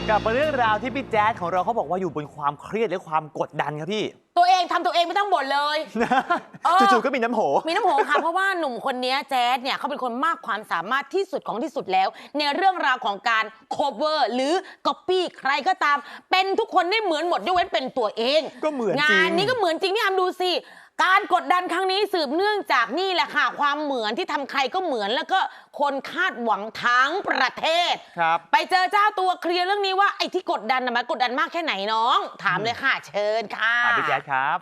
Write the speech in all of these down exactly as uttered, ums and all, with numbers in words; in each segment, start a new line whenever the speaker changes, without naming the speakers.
กับเรื่องราวที่พี่แจ๊ดของเราเขาบอกว่าอยู่บนความเครียดและความกดดันครับพี่
ตัวเองทำตัวเองไม่ต้องบ่นเลย
จู่ๆก็มีน้ำโห
มีน้ำโหค่ะเพราะว่าหนุ่มคนนี้แจ๊ดเนี่ยเขาเป็นคนมากความสามารถที่สุดของที่สุดแล้วในเรื่องราวของการ cover หรือ copy ใครก็ตามเป็นทุกคนได้เหมือนหมดยกเว้นเป็นตัวเอง
ก็เหมือนจริง
งานนี้ก็เหมือนจริงพี่อามดูสิการกดดันครั้งนี้สืบเนื่องจากนี่แหละค่ะความเหมือนที่ทำใครก็เหมือนแล้วก็คนคาดหวังทั้งประเทศ
ครับ
ไปเจอเจ้าตัวเคลียร์เรื่องนี้ว่าไอ้ที่กดดันนะมันกดดันมากแค่ไหนน้องถามเลยค่ะเชิญค่ะ
ถามพี่แจ๊ดครับ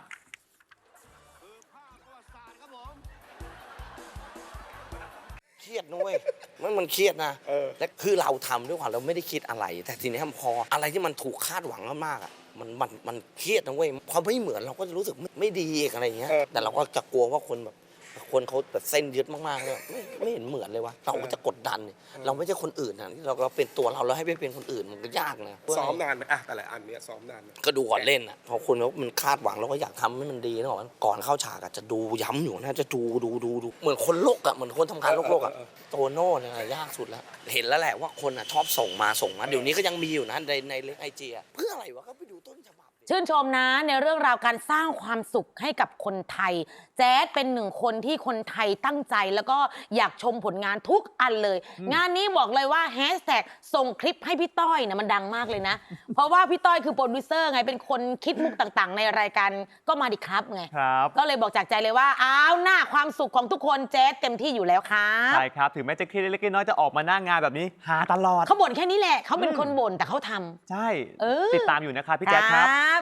เครียดนะเว้ยมันมันเครียดนะและคือเราทำด้วยความเราไม่ได้คิดอะไรแต่ทีนี้พออะไรที่มันถูกคาดหวังมากๆอ่ะมันมันมันเครียดนะเว้ยพอไม่เหมือนเราก็จะรู้สึกไม่ไม่ดีอะไรอย่างเงี้ยแต่เราก็จะกลัวว่าคนแบบคนเขาแบบเส้นยึดมากๆเลยไม่ไม่เห็นเหมือนเลยวะเราก็จะกดดันเราไม่ใช่คนอื่นนะเราเราเป็นตัวเราแล้วให้ไปเป็นคนอื่นมันก็ยากนะ
ซ้อมนานไหมอะแต่ละอันเนี้ยซ้อมนานไหม
ก็ดูก่อนเล่นอ่ะพอคนเขามันคาดหวังเราก็อยากทำให้มันดีนะก่อนก่อนเข้าฉากอ่ะจะดูย้ำอยู่นะจะดูดูดูดูเหมือนคนโลกอ่ะเหมือนคนทำงานโลกโลกอ่ะโตโน่เนี่ยยากสุดแล้วเห็นแล้วแหละว่าคนอ่ะชอบส่งมาส่งมาเดี๋ยวนี้ก็ยังมีอยู่นะในในเรื่องไอจีเพื่ออะไรวะก็ไปดูต้นฉบับ
ชื่นชมนะในเรื่องราวการสร้างความสุขให้กับคนไทยแจ๊ดเป็นหนึ่งคนที่คนไทยตั้งใจแล้วก็อยากชมผลงานทุกอันเลยงานนี้บอกเลยว่าแฮชแท็กส่งคลิปให้พี่ต้อยนะมันดังมากเลยนะ เพราะว่าพี่ต้อยคือโปรดิวเซอร์ไงเป็นคนคิดมุกต่างๆในรายการก็มาดิครับไงก็เลยบอกจากใจเลยว่าอ้าวหน้าความสุขของทุกคนแจ๊ดเต็มที่อยู่แล้วค่ะ
ใช่ครับถึงแม้จะเครียดเล็กๆน้อยๆจะออกมาหน้างานแบบนี้หาตลอด
เขาบ่นแค่นี้แหละเขาเป็นคนบ่นแต่เขาทำ
ใช่ติดตามอยู่นะครับพี่แจ๊ดครับ